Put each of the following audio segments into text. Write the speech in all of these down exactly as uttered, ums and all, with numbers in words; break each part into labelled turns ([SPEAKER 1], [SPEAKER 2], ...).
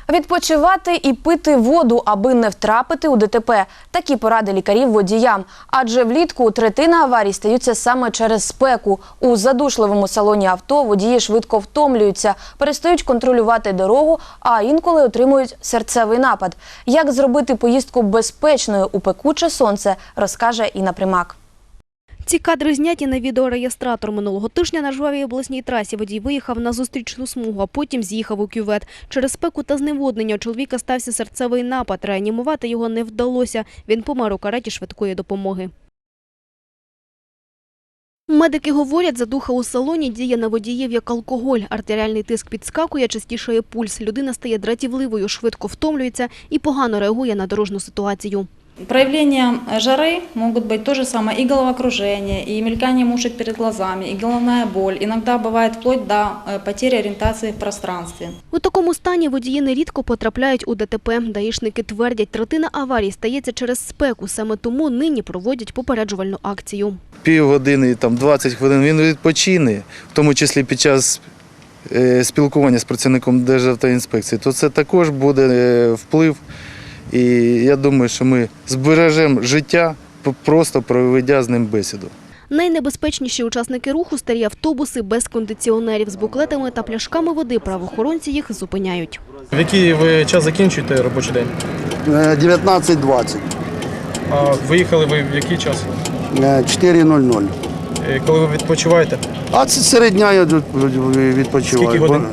[SPEAKER 1] Відпочивати і пити воду, аби не втрапити у ДТП. Такі поради лікарів водіям. Адже влітку третина аварій стаються саме через спеку. У задушливому салоні авто водії швидко втомлюються, перестають контролювати дорогу, а інколи отримують серцевий напад. Як зробити поїздку безпечною у пекуче сонце, розкаже Інна Примак.
[SPEAKER 2] Ці кадри зняті на відеореєстратор. Минулого тижня на жвавій обласній трасі водій виїхав на зустрічну смугу, а потім з'їхав у кювет. Через спеку та зневоднення у чоловіка стався серцевий напад. Реанімувати його не вдалося. Він помер у кареті швидкої допомоги. Медики говорять, задуха у салоні діє на водіїв як алкоголь. Артеріальний тиск підскакує, частішає пульс. Людина стає дратівливою, швидко втомлюється і погано реагує на дорожню ситуацію.
[SPEAKER 3] Проявлением жары могут быть то же самое и головокружение, и мелькание мушек перед глазами, и головная боль. Иногда бывает вплоть до потери ориентации в пространстве.
[SPEAKER 2] У такому стані водії нерідко потрапляють у ДТП. Даїшники твердять, третина аварій стається через спеку. Саме тому нині проводять попереджувальну акцію.
[SPEAKER 4] Півгодини, там, двадцять хвилин він відпочине, в тому числі під час спілкування з працівником Державтоінспекції, то це також буде вплив. І я думаю, що ми збережемо життя, просто проведя з ним бесіду.
[SPEAKER 2] Найнебезпечніші учасники руху – старі автобуси без кондиціонерів. З буклетами та пляшками води правоохоронці їх зупиняють.
[SPEAKER 5] В який ви час закінчуєте робочий день?
[SPEAKER 6] дев'ятнадцять двадцять.
[SPEAKER 5] А виїхали ви в який час?
[SPEAKER 6] чотири нуль нуль.
[SPEAKER 5] Коли ви відпочиваєте?
[SPEAKER 6] А це серед дня я відпочиваю.
[SPEAKER 5] Скільки годин?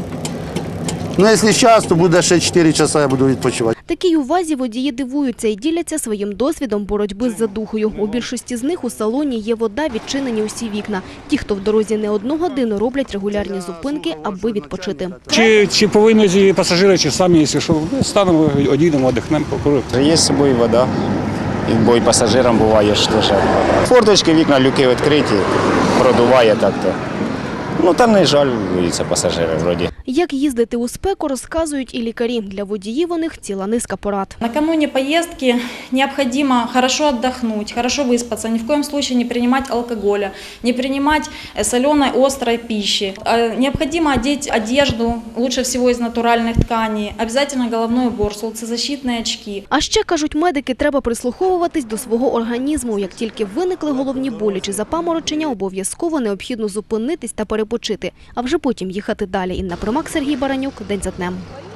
[SPEAKER 6] Ну, якщо час, то буде ще чотири часа я буду відпочивати.
[SPEAKER 2] Такій увазі водії дивуються і діляться своїм досвідом боротьби з задухою. У більшості з них у салоні є вода, відчинені усі вікна. Ті, хто в дорозі не одну годину, роблять регулярні зупинки, аби відпочити.
[SPEAKER 7] Чи, чи повинні пасажири, чи самі, якщо що, станемо, одійдемо, одихнемо, покуримо.
[SPEAKER 8] Є з собою вода, бо і пасажирам буває ж теж. Форточки, вікна, люки відкриті, продуває так-то. Ну, там не жаль, це пасажири вроді.
[SPEAKER 2] Як їздити у спеку, розказують і лікарі. Для водіїв у них ціла низка порад.
[SPEAKER 3] Накануне поездки необходимо хорошо отдохнуть, хорошо выспаться, ни в коем случае не принимать алкоголя, не принимать соленой, острой пищи. Необходимо одеть одежду, лучше всего из натуральных тканей, обязательно головной убор, солнцезащитные очки.
[SPEAKER 2] А ще, кажуть медики, треба прислуховуватись до свого організму. Як тільки виникли головні болі чи запаморочення, обов'язково необхідно зупинитись та перепочити, а вже потім їхати далі. Інна Примак, Сергій Баранюк, День за днем.